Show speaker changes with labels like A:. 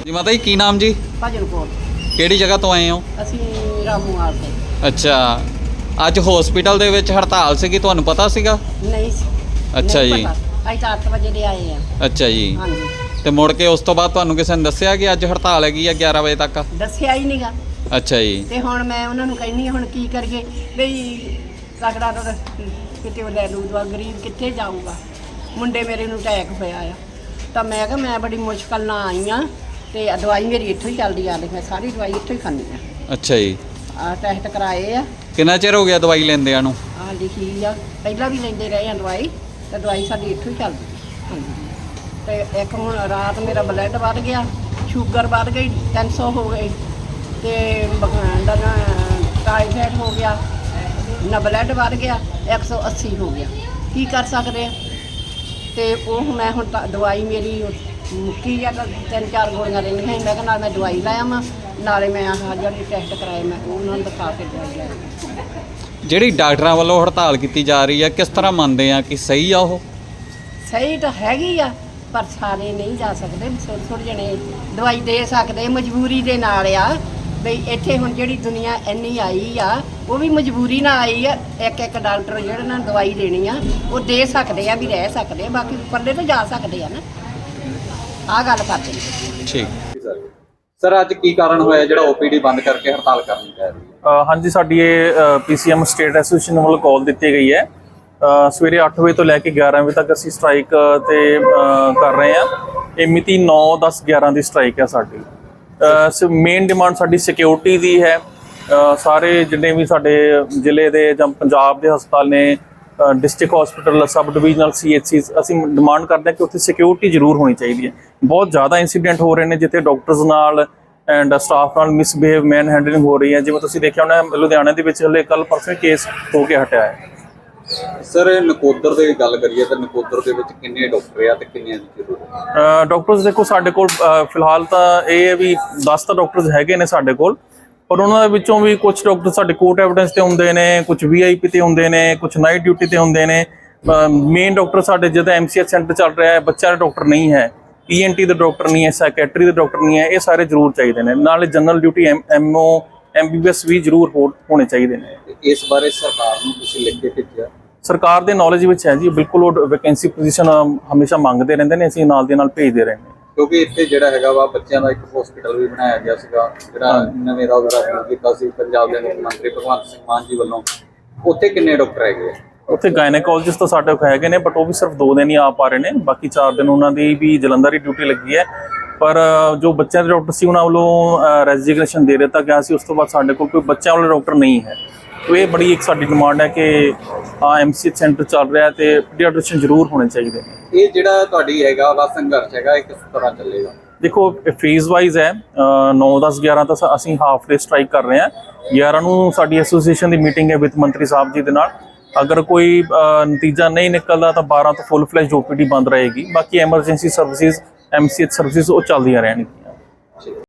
A: ਜੀ ਮਾਤਾ ਜੀ ਕੀ ਨਾਮ ਜੀ?
B: ਭਜਨ ਕੋਲ।
A: ਕਿਹੜੀ ਜਗ੍ਹਾ ਤੋਂ ਆਏ ਹੋ?
B: ਅਸੀਂ ਰਾਮੂਵਾਲ ਤੋਂ।
A: ਅੱਛਾ, ਅੱਜ ਹਸਪੀਟਲ ਦੇ ਵਿੱਚ ਹੜਤਾਲ ਸੀਗੀ, ਤੁਹਾਨੂੰ ਪਤਾ ਸੀਗਾ?
B: ਨਹੀਂ ਸੀ।
A: ਅੱਛਾ
B: ਨਹੀਂ
A: ਜੀ।
B: ਪਤਾ। ਅਸੀਂ ਤਾਂ 8 ਵਜੇ ਦੇ ਆਏ ਆ।
A: ਅੱਛਾ ਜੀ।
B: ਹਾਂਜੀ।
A: ਤੇ ਮੁੜ ਕੇ ਉਸ ਤੋਂ ਬਾਅਦ ਤੁਹਾਨੂੰ ਕਿਸੇ ਨੇ ਦੱਸਿਆ ਕਿ ਅੱਜ ਹੜਤਾਲ ਹੈਗੀ ਆ 11 ਵਜੇ ਤੱਕ?
B: ਦੱਸਿਆ ਹੀ ਨਹੀਂਗਾ।
A: ਅੱਛਾ ਜੀ।
B: ਤੇ ਹੁਣ ਮੈਂ ਉਹਨਾਂ ਨੂੰ ਕਹਿੰਦੀ ਹੁਣ ਕੀ ਕਰੀਏ ਬਈ ਤਕੜਾ ਤਾਂ ਕਿਤੇ ਉਹ ਲੈ ਲੂਗਾ, ਗਰੀਬ ਕਿੱਥੇ ਜਾਊਗਾ। ਮੁੰਡੇ ਮੇਰੇ ਨੂੰ ਅਟੈਕ ਹੋਇਆ ਆ ਤਾਂ ਮੈਂ ਕਿਹਾ ਮੈਂ ਬੜੀ ਮੁਸ਼ਕਲ ਨਾਲ ਆਈ ਆ ਤੇ ਦਵਾਈ ਮੇਰੀ ਇੱਥੋਂ ਹੀ ਚੱਲਦੀ ਆ, ਮੈਂ ਸਾਰੀ ਦਵਾਈ ਇੱਥੋਂ ਹੀ ਖਾਂਦੀ ਆ।
A: ਅੱਛਾ ਜੀ।
B: ਟੈਸਟ ਕਰਾਏ ਆ।
A: ਕਿੰਨਾ ਚਿਰ ਹੋ ਗਿਆ ਦਵਾਈ ਲੈਂਦਿਆਂ ਨੂੰ?
B: ਲਿਖੀ ਆ, ਪਹਿਲਾਂ ਵੀ ਲੈਂਦੇ ਰਹੇ ਆ ਦਵਾਈ ਤੇ ਦਵਾਈ ਸਾਡੀ ਇੱਥੋਂ ਹੀ ਚੱਲਦੀ ਆ। ਹਾਂਜੀ। ਤੇ ਇੱਕ ਹੁਣ ਰਾਤ ਮੇਰਾ ਬਲੱਡ ਵੱਧ ਗਿਆ, ਸ਼ੂਗਰ ਵੱਧ ਗਈ, 300 ਹੋ ਗਈ ਤੇ ਟਾਈਫਾਇਡ ਹੋ ਗਿਆ, ਨਾ ਬਲੱਡ ਵੱਧ ਗਿਆ, 180 ਹੋ ਗਿਆ। ਕੀ ਕਰ ਸਕਦੇ ਆ? ਤੇ ਉਹ ਮੈਂ ਹੁਣ ਦਵਾਈ ਮੇਰੀ ਮੁੱਕੀ ਆ ਤਾਂ 3-4 ਗੋਲੀਆਂ ਰਹਿੰਦੀਆਂ ਸੀ। ਮੈਂ ਕਿਹਾ ਨਾਲ ਮੈਂ ਦਵਾਈ ਲਾਇਆ ਵਾਂ, ਨਾਲੇ ਮੈਂ ਆਹ ਜਿਹੜੀ ਟੈਸਟ ਕਰਾਏ ਮੈਂ ਉਹਨਾਂ ਨੂੰ ਦਿਖਾ ਕੇ ਦਵਾਈ ਲਾਈ।
A: ਜਿਹੜੀ ਡਾਕਟਰਾਂ ਵੱਲੋਂ ਹੜਤਾਲ ਕੀਤੀ ਜਾ ਰਹੀ ਆ, ਕਿਸ ਤਰ੍ਹਾਂ ਮੰਨਦੇ ਆ ਕਿ ਸਹੀ ਆ ਉਹ?
B: ਸਹੀ ਤਾਂ ਹੈਗੀ ਆ ਪਰ ਸਾਰੇ ਨਹੀਂ ਜਾ ਸਕਦੇ। ਥੋੜ੍ਹੇ ਜਣੇ ਦਵਾਈ ਦੇ ਸਕਦੇ, ਮਜਬੂਰੀ ਦੇ ਨਾਲ ਆ ਬਈ ਇੱਥੇ ਹੁਣ ਜਿਹੜੀ ਦੁਨੀਆ ਇੰਨੀ ਆਈ ਆ ਉਹ ਵੀ ਮਜਬੂਰੀ ਨਾਲ ਆਈ ਆ। ਇੱਕ ਡਾਕਟਰ ਜਿਹੜੇ ਨਾਲ ਦਵਾਈ ਦੇਣੀ ਆ ਉਹ ਦੇ ਸਕਦੇ ਆ, ਵੀ ਰਹਿ ਸਕਦੇ ਆ, ਬਾਕੀ ਪਰਲੇ ਤਾਂ ਜਾ ਸਕਦੇ ਆ ਨਾ। ਆਹ ਗੱਲ ਕਰਦੇ ਨੇ।
A: ਠੀਕ ਸਰ, ਅੱਜ ਕੀ ਕਾਰਨ ਹੋਇਆ ਜਿਹੜਾ ਓਪੀਡੀ ਬੰਦ ਕਰਕੇ ਹੜਤਾਲ ਕਰਨੀ ਪੈ ਰਹੀ ਹੈ?
C: ਹਾਂਜੀ, ਸਾਡੀ ਇਹ ਪੀਸੀਐਮ ਸਟੇਟ ਐਸੋਸੀਏਸ਼ਨ ਵੱਲੋਂ ਕਾਲ ਦਿੱਤੀ ਗਈ ਹੈ। ਸਵੇਰੇ 8 ਵਜੇ ਤੋਂ ਲੈ ਕੇ 11 ਵਜੇ ਤੱਕ ਅਸੀਂ ਸਟ੍ਰਾਈਕ ਤੇ ਕਰ ਰਹੇ ਹਾਂ। ਇਹ ਮਿਤੀ 9/10/11 ਦੀ ਸਟ੍ਰਾਈਕ ਹੈ ਸਾਡੀ। ਮੇਨ ਡਿਮਾਂਡ ਸਾਡੀ ਸਿਕਿਉਰਿਟੀ ਦੀ ਹੈ। ਸਾਰੇ ਜਿੰਨੇ ਵੀ ਸਾਡੇ ਜ਼ਿਲ੍ਹੇ ਦੇ ਜਾਂ ਪੰਜਾਬ ਦੇ ਹਸਪਤਾਲ ਨੇ, district hospital, sub divisional CHCs, ਅਸੀਂ ਡਿਮਾਂਡ ਕਰਦੇ ਹਾਂ ਕਿ ਉੱਥੇ ਸਿਕਿਉਰਿਟੀ ਜ਼ਰੂਰ ਹੋਣੀ ਚਾਹੀਦੀ ਹੈ। ਬਹੁਤ ਜ਼ਿਆਦਾ ਇੰਸੀਡੈਂਟ ਹੋ ਰਹੇ ਨੇ ਜਿੱਥੇ ਡਾਕਟਰਸ ਨਾਲ ਐਂਡ ਸਟਾਫ ਨਾਲ ਮਿਸਬਿਹੇਵ, ਮੈਨ ਹੈਂਡਲਿੰਗ ਹੋ ਰਹੀ ਹੈ। ਜਿਵੇਂ ਤੁਸੀਂ ਦੇਖਿਆ ਹੋਣਾ ਲੁਧਿਆਣਾ ਦੇ ਵਿੱਚ ਹਲੇ ਕੱਲ ਪਰਸੋਂ ਕੇਸ ਹੋ ਕੇ ਹਟਿਆ ਹੈ।
A: ਸਰ, ਨਕੋਦਰ ਦੀ ਗੱਲ ਕਰੀਏ ਤਾਂ ਨਕੋਦਰ ਦੇ ਵਿੱਚ ਕਿੰਨੇ ਡਾਕਟਰ ਆ ਤੇ ਕਿੰਨੀਆਂ ਦੀ ਜ਼ਰੂਰਤ ਹੈ?
C: ਡਾਕਟਰਸ ਦੇਖੋ ਸਾਡੇ ਕੋਲ ਫਿਲਹਾਲ ਤਾਂ ਇਹ ਹੈ ਵੀ 10 ਤਾਂ ਡਾਕਟਰਸ ਹੈਗੇ ਨੇ ਸਾਡੇ ਕੋਲ, ਪਰ ਉਹਨਾਂ ਦੇ ਵਿੱਚੋਂ ਵੀ ਕੁਝ ਡਾਕਟਰ ਸਾਡੇ ਕੋਰਟ ਐਵੀਡੈਂਸ ਤੇ ਹੁੰਦੇ ਨੇ, ਕੁਝ VIP ਤੇ ਹੁੰਦੇ ਨੇ, ਕੁਝ ਨਾਈਟ ਡਿਊਟੀ ਤੇ ਹੁੰਦੇ ਨੇ। ਮੇਨ ਡਾਕਟਰ ਸਾਡੇ ਜਿਹਦਾ MCH ਸੈਂਟਰ ਚੱਲ ਰਿਹਾ ਹੈ, ਬੱਚਿਆਂ ਦੇ ਡਾਕਟਰ ਨਹੀਂ ਹੈ, ENT ਦੇ ਡਾਕਟਰ ਨਹੀਂ ਹੈ, ਸਾਈਕੈਟਰੀ ਦੇ ਡਾਕਟਰ ਨਹੀਂ ਹੈ। ਇਹ ਸਾਰੇ ਜ਼ਰੂਰ ਚਾਹੀਦੇ ਨੇ। ਨਾਲੇ ਜਨਰਲ ਡਿਊਟੀ MO MBBS ਵੀ ਜ਼ਰੂਰ ਹੋਣੇ ਚਾਹੀਦੇ ਨੇ।
A: ਇਸ ਬਾਰੇ ਸਰਕਾਰ ਨੂੰ ਤੁਸੀਂ ਲਿਖ ਕੇ ਭੇਜਿਆ?
C: ਸਰਕਾਰ ਦੇ ਨੌਲੇਜ ਵਿੱਚ ਹੈ ਜੀ, ਬਿਲਕੁਲ। ਉਹ ਵੈਕੈਂਸੀ ਪੋਜੀਸ਼ਨ ਹਮੇਸ਼ਾ ਮੰਗਦੇ ਰਹਿੰਦੇ ਨੇ, ਅਸੀਂ ਨਾਲ ਦੇ ਨਾਲ ਭੇਜਦੇ ਰਹਿੰਦੇ।
A: ਕਿਉਂਕਿ ਇੱਥੇ ਜਿਹੜਾ ਹੈਗਾ ਵਾ ਬੱਚਿਆਂ ਦਾ ਇੱਕ ਹਸਪੀਟਲ ਵੀ ਬਣਾਇਆ ਗਿਆ ਸੀਗਾ ਜਿਹੜਾ ਨਵੇਂ ਦਾ ਉਦਘਾਟਨ ਕੀਤਾ ਸੀ ਪੰਜਾਬ ਦੇ ਮੁੱਖ ਮੰਤਰੀ ਭਗਵੰਤ ਸਿੰਘ ਮਾਨ ਜੀ ਵੱਲੋਂ। ਉੱਥੇ ਕਿੰਨੇ ਡਾਕਟਰ ਹੈਗੇ ਆ? ਉੱਥੇ
C: ਗਾਇਨੇਕੋਲੋਜਿਸਟ ਤਾਂ ਸਾਡੇ ਕੋਲ ਹੈਗੇ ਨੇ, ਬਟ ਉਹ ਵੀ ਸਿਰਫ 2 ਦਿਨ ਹੀ ਆ ਪਾ ਰਹੇ ਨੇ। ਬਾਕੀ 4 ਦਿਨ ਉਹਨਾਂ ਦੀ ਵੀ ਜਲੰਧਰ ਹੀ ਡਿਊਟੀ ਲੱਗੀ ਹੈ। ਪਰ ਜੋ ਬੱਚਿਆਂ ਦੇ ਡਾਕਟਰ ਸੀ ਉਹਨਾਂ ਵੱਲੋਂ ਰੈਜ਼ਿਗਨੇਸ਼ਨ ਦੇ ਦਿੱਤਾ ਗਿਆ ਸੀ। ਉਸ ਤੋਂ ਬਾਅਦ ਸਾਡੇ ਕੋਲ ਕੋਈ ਬੱਚਿਆਂ ਵਾਲੇ ਡਾਕਟਰ ਨਹੀਂ ਹੈ। ਇਹ ਬੜੀ ਇੱਕ ਸਾਡੀ ਡਿਮਾਂਡ ਹੈ ਕਿ MCH ਸੈਂਟਰ ਚੱਲ ਰਿਹਾ ਤੇ ਪੀਡੀਆਟ੍ਰੀਸ਼ੀਅਨ ਜ਼ਰੂਰ ਹੋਣੇ ਚਾਹੀਦੇ ਨੇ।
A: ਇਹ ਜਿਹੜਾ ਤੁਹਾਡੀ ਹੈਗਾ ਵਾ ਸੰਘਰਸ਼ ਹੈਗਾ, ਇਹ ਕਿਸ ਤਰ੍ਹਾਂ ਚੱਲੇਗਾ?
C: ਦੇਖੋ, ਫੇਜ਼ ਵਾਈਜ਼ ਹੈ। 9/10/11 ਤਾਂ ਅਸੀਂ ਹਾਫ ਡੇ ਸਟ੍ਰਾਈਕ ਕਰ ਰਹੇ ਹਾਂ। 11 ਨੂੰ ਸਾਡੀ ਐਸੋਸੀਏਸ਼ਨ ਦੀ ਮੀਟਿੰਗ ਹੈ ਵਿੱਤ ਮੰਤਰੀ ਸਾਹਿਬ ਜੀ ਦੇ ਨਾਲ। ਅਗਰ ਕੋਈ ਨਤੀਜਾ ਨਹੀਂ ਨਿਕਲਦਾ ਤਾਂ 12 ਤੋਂ ਫੁੱਲ ਫਲੈਸ਼ OPD ਬੰਦ ਰਹੇਗੀ। ਬਾਕੀ ਐਮਰਜੈਂਸੀ ਸਰਵਿਸਿਜ਼, MCH ਸਰਵਿਸਿਜ਼ ਉਹ ਚੱਲਦੀਆਂ ਰਹਿਣਗੀਆਂ।